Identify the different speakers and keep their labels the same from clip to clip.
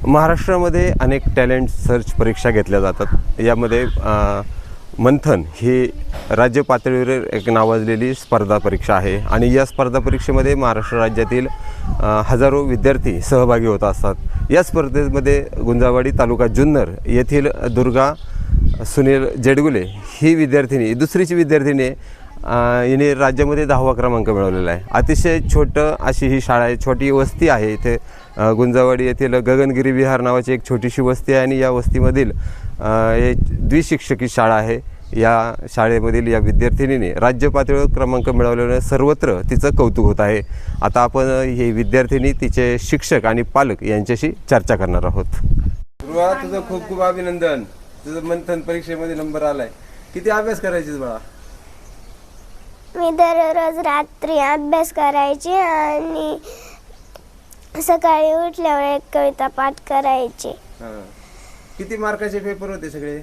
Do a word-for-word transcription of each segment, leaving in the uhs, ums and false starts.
Speaker 1: महाराष्ट्रामध्ये अनेक talent search परीक्षा घेतल्या जातात। यामध्ये मंथन ही राज्य पातळीवर एक नावाजलेली स्पर्धा परीक्षा आहे आणि या स्पर्धा परीक्षेमध्ये महाराष्ट्र राज्यातील हजारो विद्यार्थी सहभागी होत असतात। या स्पर्धेमध्ये गुंजावाडी तालुका जुन्नर येथील दुर्गा सुनील जेडगुले ही विद्यार्थिनी दुसरीची विद्यार्थिनी हिने राज्यामध्ये दहावा क्रमांक मिळवलेला आहे। अतिशय छोटं अशी ही शाळा आहे, छोटी वस्ती आहे इथे गुंजावाडी येथील गगनगिरी विहार नावाची एक छोटीशी वस्ती आहे आणि या वस्तीमधील हे द्विशिक्षकी शाळा आहे। या शाळेमधील या विद्यार्थिनीने राज्य पातळीवर क्रमांक मिळवल्याने सर्वत्र तिचं कौतुक होत आहे। आता आपण ही विद्यार्थिनी, तिचे शिक्षक आणि पालक यांच्याशी चर्चा करणार आहोत। ध्रुवा, तुझं खूप खूप अभिनंदन, तुझं मंथन परीक्षेमध्ये नंबर आलाय। किती अभ्यास करायचीस बाळा?
Speaker 2: मी दररोज रात्री अभ्यास करायची आणि सकाळी उठल्यावर एक कविता पाठ करायची।
Speaker 1: किती मार्काचे पेपर होते सगळे?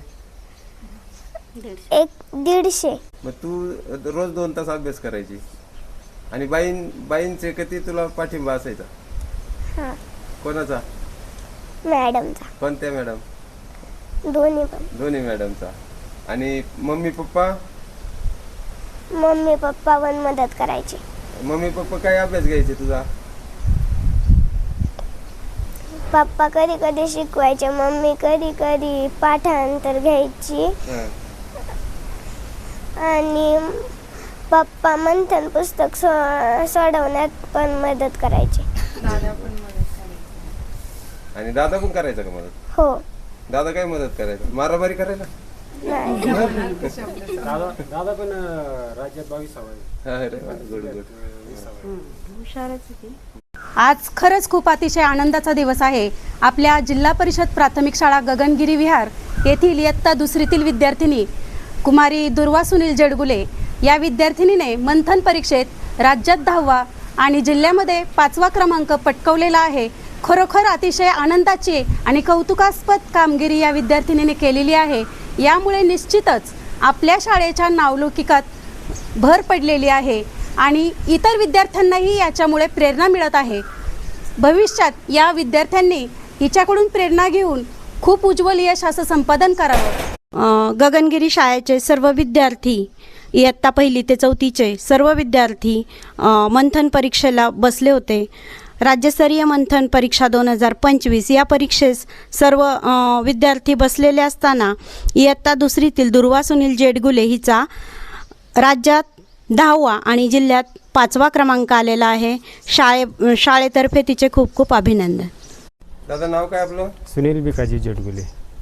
Speaker 2: एक दीडशे।
Speaker 1: मग तू रोज दोन तास अभ्यास करायची आणि बाईन बाईंचे किती तुला पाठिंबा असायचा?
Speaker 2: हां।
Speaker 1: कोणाचा?
Speaker 2: मॅडमचा।
Speaker 1: कोणत्या मॅडम?
Speaker 2: दोन्ही पण।
Speaker 1: दोन्ही मॅडमचा। आणि मम्मी पप्पा?
Speaker 2: मम्मी पप्पा पण मदत करायचे।
Speaker 1: मम्मी पप्पा काय अभ्यास घ्यायचे तुझा?
Speaker 2: पप्पा कधी कधी शिकवायचे, मम्मी कधी कधी पाठांतर घ्यायची आणि पप्पा मंथन पुस्तक सो सोडवण्यात पण मदत करायचे।
Speaker 3: दादा पण मदत करायचा।
Speaker 1: आणि दादा पण करायचा का मदत?
Speaker 2: हो।
Speaker 1: दादा काय मदत करायचा? मारामारी करायला?
Speaker 2: नाही।
Speaker 4: दादा दादा पण राज्यात बावीसावा आहे।
Speaker 1: अरे वा, गुड गुड।
Speaker 3: हुशारच होती।
Speaker 5: आज खरंच खूप अतिशय आनंदाचा दिवस आहे। आपल्या जिल्हा परिषद प्राथमिक शाळा गगनगिरी विहार येथील इयत्ता दुसरीतील विद्यार्थिनी कुमारी दुर्वा सुनील जेडगुले या विद्यार्थिनीने मंथन परीक्षेत राज्यात दहावा आणि जिल्ह्यामध्ये पाचवा क्रमांक पटकावलेला आहे। खरोखर अतिशय आनंदाची आणि कौतुकास्पद कामगिरी या विद्यार्थिनीने केलेली आहे। यामुळे निश्चितच आपल्या शाळेच्या नावलौकिकात भर पडलेली आहे आणि इतर विद्यार्थ्यांनाही याच्यामुळे प्रेरणा मिळत आहे। भविष्यात या विद्यार्थ्यांनी हिच्याकडून प्रेरणा घेऊन खूप उज्ज्वल यश असं संपादन करावं।
Speaker 6: गगनगिरी शाळेचे सर्व विद्यार्थी, इयत्ता पहिली ते चौथीचे सर्व विद्यार्थी मंथन परीक्षेला बसले होते। राज्यस्तरीय मंथन परीक्षा दोन हजार पंचवीस या परीक्षेस सर्व विद्यार्थी बसलेले असताना इयत्ता दुसरीतील दुर्वा सुनील जेडगुले हिचा राज्यात दहावा आणि जिल्ह्यात पाचवा क्रमांक आलेला आहे। शाळे शाळेतर्फे तिचे खूप खूप अभिनंदन।
Speaker 1: दादा, नाव काय आपलं?
Speaker 4: सुनील भिकाजी जेडगुले।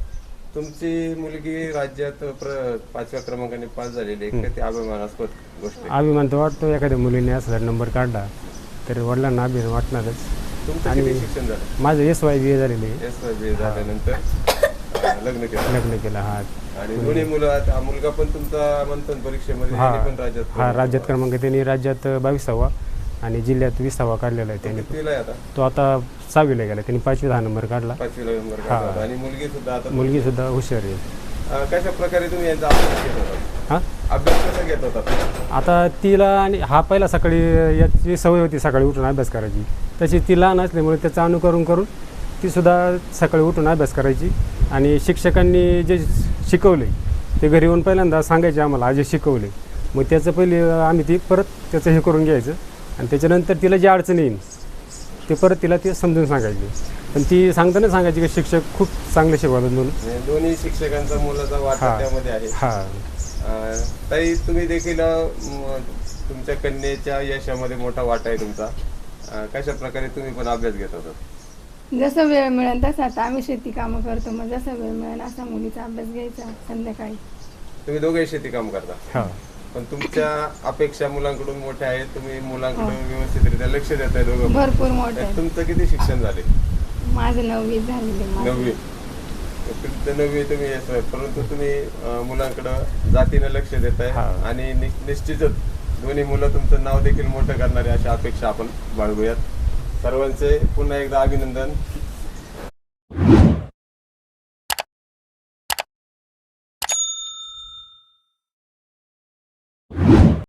Speaker 1: तुमची मुलगी राज्यात पाचव्या क्रमांकाने पास झालेली आहे, ते अभिमानास्पद गोष्ट आहे।
Speaker 4: अभिमान तर वाटतो, एखाद्या मुलीने असला नंबर काढला तर वडिलांना अभिमान वाटणारच।
Speaker 1: तुमचं किती शिक्षण झालं?
Speaker 4: माझं एस वाय बी ए झालेले।
Speaker 1: एस वाय बी ए झाल्यानंतर लग्न केलं?
Speaker 4: लग्न केलं। हा।
Speaker 1: आणि दोन्ही मुलं, मुलगा पण तुमचा मंथन परीक्षेमध्ये पण राज्यात?
Speaker 4: हा, राज्यात क्रमांक त्यांनी राज्यात बावीसावा आणि जिल्ह्यात विसावा काढलेला आहे त्यांनी।
Speaker 1: कितवीला आता? तो
Speaker 4: आता सहावीला गेला, त्यांनी पाचवी दहा नंबर काढला।
Speaker 1: पाचवीला नंबर काढला। आणि मुलगी सुद्धा आता?
Speaker 4: मुलगी सुद्धा हुशार आहे।
Speaker 1: कशा प्रकारे तुम्ही यांचा अभ्यास घेत होता?
Speaker 4: हां,
Speaker 1: अभ्यास कसा घेत होता?
Speaker 4: आता तिला आणि हा पहिला सकाळी याची सवय होती सकाळी उठून अभ्यास करायची, तशी ती लहान असल्यामुळे त्याचं अनुकरण करून तीसुद्धा सकाळी उठून अभ्यास करायची। आणि शिक्षकांनी जे शिकवले ते घरी येऊन पहिल्यांदा सांगायचे आम्हाला, आज शिकवले, मग त्याचं पहिले आम्ही ती परत त्याचं हे करून घ्यायचं आणि त्याच्यानंतर तिला जी अडचण येईल ते परत तिला ते समजून सांगायचे। पण ती सांगताना सांगायची की शिक्षक खूप चांगले शिकवतात म्हणून।
Speaker 1: दोन्ही शिक्षकांचा मुलाचा वाटा त्यामध्ये आहे।
Speaker 4: हां,
Speaker 1: ताई, तुम्ही देखील तुमच्या कन्येच्या यशामध्ये मोठा वाटा आहे तुमचा। कशा प्रकारे तुम्ही पण अभ्यास घेत होता?
Speaker 3: जसं वेळ मिळेल तसं आता आम्ही शेती कामं करतो, मग जसं वेळ मिळेल असा मुलीचा अभ्यास घ्यायचा संध्याकाळी।
Speaker 1: तुम्ही दोघे शेती काम करता?
Speaker 4: हां।
Speaker 1: पण तुमच्या अपेक्षा मुलांकडून मोठ्या आहेत, तुम्ही मुलांकडून व्यवस्थितरित्या लक्ष देताय दोघं?
Speaker 3: भरपूर मोठं।
Speaker 1: तुमचं किती शिक्षण झाले?
Speaker 3: माझं नववी झालेले।
Speaker 1: नववी? तुमचं नववी तुम्ही येतोय, परंतु तुम्ही मुलांकडं जातीनं लक्ष देताय आणि निश्चितच दोन्ही मुलं तुमचं नाव देखील मोठं करणारे अशा अपेक्षा आपण बाळगूयात। सर्वांचे पुन्हा एकदा अभिनंदन।